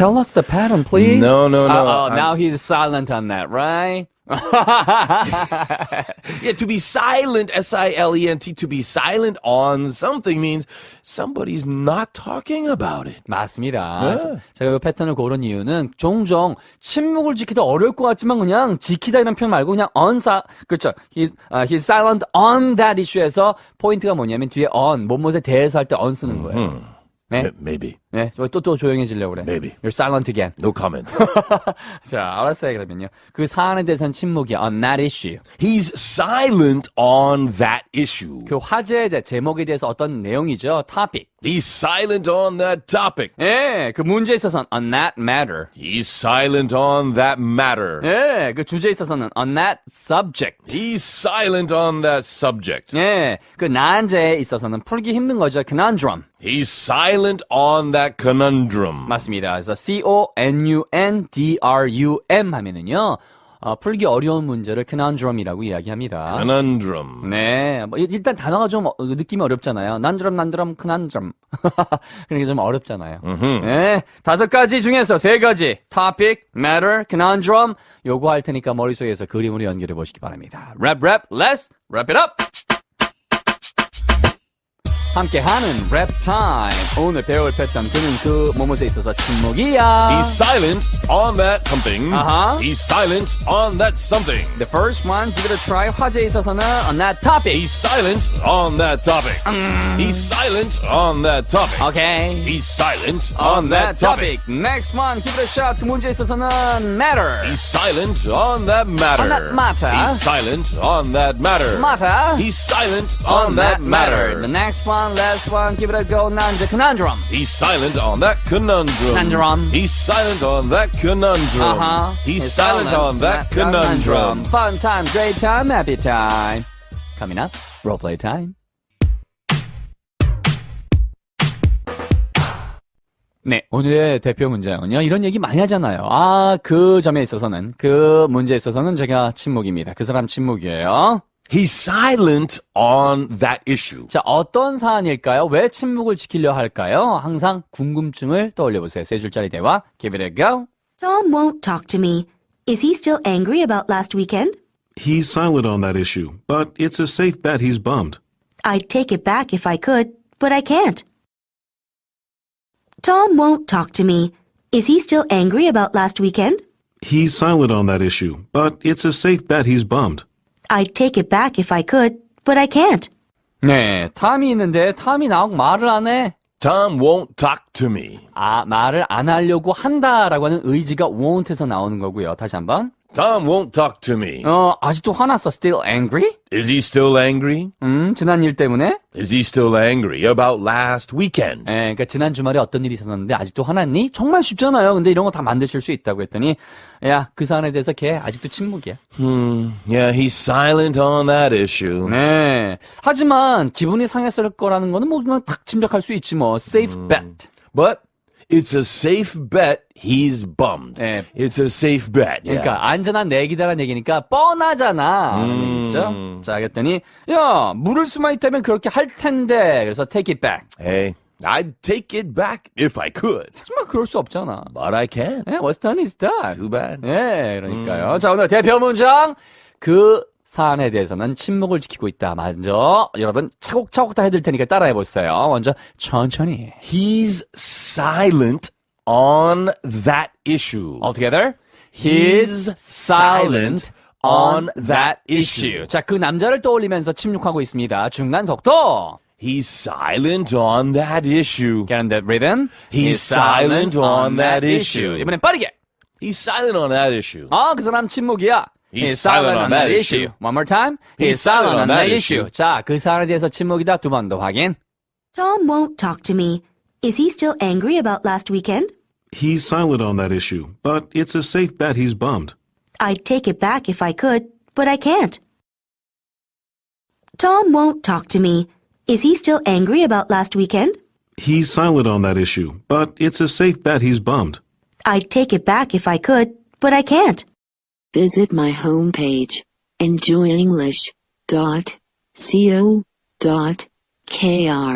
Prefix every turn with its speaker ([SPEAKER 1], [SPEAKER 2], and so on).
[SPEAKER 1] tell us the pattern, please?
[SPEAKER 2] No.
[SPEAKER 1] Now he's silent on that, right?
[SPEAKER 2] Yeah, to be silent, S-I-L-E-N-T, to be silent on something means somebody's not talking about it.
[SPEAKER 1] 맞습니다.
[SPEAKER 2] 네.
[SPEAKER 1] 제가 이 패턴을 고른 이유는 종종 침묵을 지키다 어려울 것 같지만 그냥 지키다 이런 표현 말고 그냥 그렇죠. He's silent on that issue에서 포인트가 뭐냐면 뒤에 on, 뭐뭐에 대해서 할 때 on 쓰는 거예요. 네.
[SPEAKER 2] Maybe.
[SPEAKER 1] 네, 또 조용해지려고 그래.
[SPEAKER 2] Maybe.
[SPEAKER 1] You're silent again.
[SPEAKER 2] No comment.
[SPEAKER 1] 자, 알았어요, 그러면요. 그 사안에 대해서는 침묵이야. On that issue.
[SPEAKER 2] He's silent on that issue.
[SPEAKER 1] 그 화제에 대해, 제목에 대해서 어떤 내용이죠? topic.
[SPEAKER 2] He's silent on that topic.
[SPEAKER 1] 예, 그 문제에 있어서는 on that matter.
[SPEAKER 2] He's silent on that matter.
[SPEAKER 1] 예, 그 주제에 있어서는 on that subject.
[SPEAKER 2] He's silent on that subject.
[SPEAKER 1] 예, 그 난제에 있어서는 풀기 힘든 거죠. conundrum.
[SPEAKER 2] He's silent on that conundrum.
[SPEAKER 1] 맞습니다. 그래서 C-O-N-U-N-D-R-U-M 하면은요, 풀기 어려운 문제를 conundrum이라고 이야기합니다.
[SPEAKER 2] Conundrum.
[SPEAKER 1] 네, 뭐 일단 단어가 좀 느낌이 어렵잖아요. 난드럼, conundrum. 그러니까 좀 어렵잖아요. 네, 5가지 중에서 3가지 topic, matter, conundrum 요거 할 테니까 머릿속에서 그림으로 연결해 보시기 바랍니다. Let's wrap it up. 함께하는 랩 타임. 오늘 배울 패턴 그는 그 뭐뭐에 있어서 침묵이야.
[SPEAKER 2] He's silent on that something. He's silent on that something.
[SPEAKER 1] The first one, give it a try. 화제에 있어서는 on that topic.
[SPEAKER 2] He's silent on that topic. He's silent on that topic.
[SPEAKER 1] Okay.
[SPEAKER 2] He's silent on that topic.
[SPEAKER 1] Next one, give it a shot. 그 문제에 있어서는 matter.
[SPEAKER 2] He's silent on that matter.
[SPEAKER 1] On that matter.
[SPEAKER 2] He's silent on that matter.
[SPEAKER 1] Matter.
[SPEAKER 2] He's silent on that matter.
[SPEAKER 1] The next one, last one, give it a go. 난제 conundrum.
[SPEAKER 2] He's silent on that conundrum.
[SPEAKER 1] Conundrum.
[SPEAKER 2] He's silent on that conundrum. He's silent on that conundrum.
[SPEAKER 1] Fun time, great time, happy time. Coming up, role play time. 네, 오늘의 대표 문제는요. 이런 얘기 많이 하잖아요. 그 점에 있어서는, 그 문제에 있어서는 제가 침묵입니다. 그 사람 침묵이에요.
[SPEAKER 2] He's silent on that issue.
[SPEAKER 1] 자, 어떤 사안일까요? 왜 침묵을 지키려 할까요? 항상 궁금증을 떠올려보세요. 3줄짜리 대화. Give it a go.
[SPEAKER 3] Tom won't talk to me. Is he still angry about last weekend?
[SPEAKER 4] He's silent on that issue, but it's a safe bet he's bummed.
[SPEAKER 3] I'd take it back if I could, but I can't. Tom won't talk to me. Is he still angry about last weekend?
[SPEAKER 4] He's silent on that issue, but it's a safe bet he's bummed.
[SPEAKER 3] I'd take it back if I could, but I can't.
[SPEAKER 1] 네, 탐이 있는데 탐이 나오고 말을 안 해.
[SPEAKER 2] Tom won't talk to me.
[SPEAKER 1] 말을 안 하려고 한다라고 하는 의지가 won't에서 나오는 거고요. 다시 한번.
[SPEAKER 2] Tom won't talk to me.
[SPEAKER 1] 아직도 화났어. Still angry?
[SPEAKER 2] Is he still angry?
[SPEAKER 1] 지난 일 때문에?
[SPEAKER 2] Is he still angry about last weekend?
[SPEAKER 1] 네, 그러니까 지난 주말에 어떤 일이 있었는데 아직도 화났니? 정말 쉽잖아요. 근데 이런 거 다 만드실 수 있다고 했더니 야, 그 사안에 대해서 걔 아직도 침묵이야.
[SPEAKER 2] Yeah, he's silent on that issue.
[SPEAKER 1] 네. 하지만 기분이 상했을 거라는 거는 뭐 그냥 딱 짐작할 수 있지 뭐. Safe bet.
[SPEAKER 2] But it's a safe bet he's bummed.
[SPEAKER 1] 네.
[SPEAKER 2] It's a safe bet. Yeah.
[SPEAKER 1] 그러니까 안전한 내기다라는 얘기니까 뻔하잖아. 얘기죠? 자, 그랬더니 야, 물을 수만 있다면 그렇게 할 텐데. 그래서 take it back.
[SPEAKER 2] Hey, I'd take it back if I could.
[SPEAKER 1] 하지만 그럴 수 없잖아.
[SPEAKER 2] But I can't.
[SPEAKER 1] 네, what's done is done.
[SPEAKER 2] Too bad.
[SPEAKER 1] 네, 그러니까요. 자, 오늘 대표 문장. 그 사안에 대해서는 침묵을 지키고 있다. 먼저 여러분 차곡차곡 다 해드릴 테니까 따라해보세요. 먼저 천천히.
[SPEAKER 2] He's silent on that issue.
[SPEAKER 1] All together. He's silent on that issue. 자, 그 남자를 떠올리면서 침묵하고 있습니다. 중간 속도.
[SPEAKER 2] He's silent on that issue.
[SPEAKER 1] Get on that rhythm.
[SPEAKER 2] He's silent on that issue.
[SPEAKER 1] 이번엔 빠르게.
[SPEAKER 2] He's silent on that issue.
[SPEAKER 1] 그 사람 침묵이야.
[SPEAKER 2] He's silent on that issue.
[SPEAKER 1] One more time. He's silent on that issue. 자, 그 사안에 대해서 침묵이다. 두 번 더 확인.
[SPEAKER 3] Tom won't talk to me. Is he still angry about last weekend?
[SPEAKER 4] He's silent on that issue, but it's a safe bet he's bummed.
[SPEAKER 3] I'd take it back if I could, but I can't. Tom won't talk to me. Is he still angry about last weekend?
[SPEAKER 4] He's silent on that issue, but it's a safe bet he's bummed.
[SPEAKER 3] I'd take it back if I could, but I can't.
[SPEAKER 5] Visit my homepage, enjoyenglish.co.kr.